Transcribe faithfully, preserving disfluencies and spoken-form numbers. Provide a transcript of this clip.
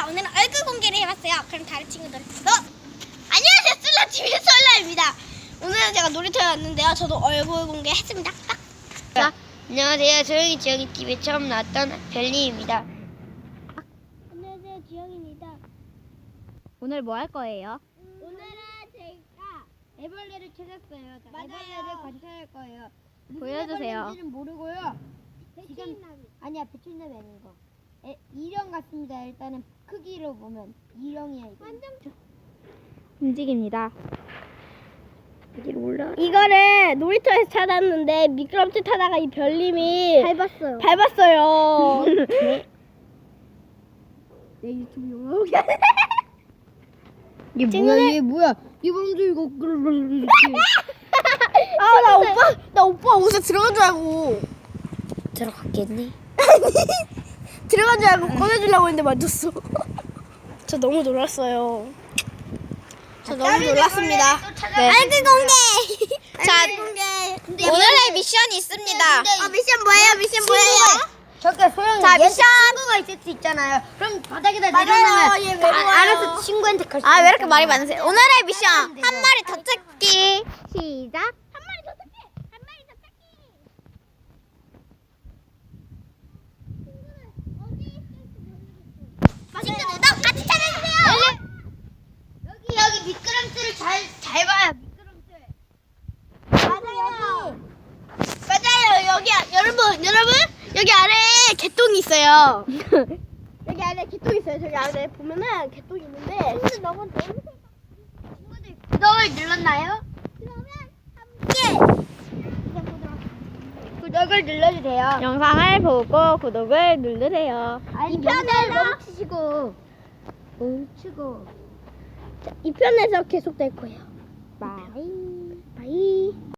자, 오늘은 얼굴 공개를 해봤어요. 그럼 다른 친구들도 안녕하세요, 솔라티비 솔라입니다. 오늘은 제가 놀이터에 왔는데요. 저도 얼굴 공개했습니다. 딱. 자, 안녕하세요. 조용히 지영이 티비에 처음 나왔던 별님입니다. 안녕하세요, 지영입니다. 오늘 뭐 할 거예요? 오늘은 제가 애벌레를 찾았어요. 자, 맞아요. 애벌레를 관찰할 거예요. 보여주세요. 애벌레인지는 모르고요. 지금 배추나무. 아니야, 배추나무 아닌 거. 에, 일형 같습니다. 일단은 크기로 보면 일형이야 이거. 완전 움직입니다. 여기로 올라. 이거를 놀이터에서 찾았는데 미끄럼틀 타다가 이 별님이 밟았어요. 밟았어요. 내 유튜브 영어. 이게 친구들- 뭐야? 이게 뭐야? 이번 주 이거 이렇게. 아, 나 오빠, 나 오빠 옷에 들어간 줄 알고. 들어갔겠니? 들어간 줄 알고 꺼내주려고 했는데 맞췄어. 저 너무 놀랐어요. 저 너무 놀랐습니다. 네. 얼굴 공개. 자, 공개. 오늘의 미션이 있습니다. 아, 미션 뭐예요? 미션 뭐예요? 저게 소영이 자, 얘 미션! 친구가 있을 수 있잖아요. 그럼 바닥에다 맞아요. 내려놓으면 얘 왜 아, 좋아요? 알아서 친구한테 갈 수 아, 왜 이렇게 있잖아요. 말이 많으세요? 오늘의 미션 한 마리 더 찾기. 시작. 한 마리 더 찾기. 한 마리 더 찾기. 친구들 어디 있을지 모르겠어. 친구들도 같이 찾아주세요. 여기 여기 미끄럼틀을 잘 잘 봐요. 미끄럼틀. 맞아요. 맞아요. 여기 아- 여러분, 여러분 여기 아래에 개똥이 있어요. 여기 아래에 개똥이 있어요. 저기 아래에 보면은 개똥이 있는데. 친구들 너무 너무 친구들 구독을 눌렀나요? 그러면 함께 구독을 눌러주세요. 영상을 보고 구독을 누르세요. 아니, 이 편에서- 멈추시고 멈추고. 이 편에서 계속될 거예요. 바이. 바이.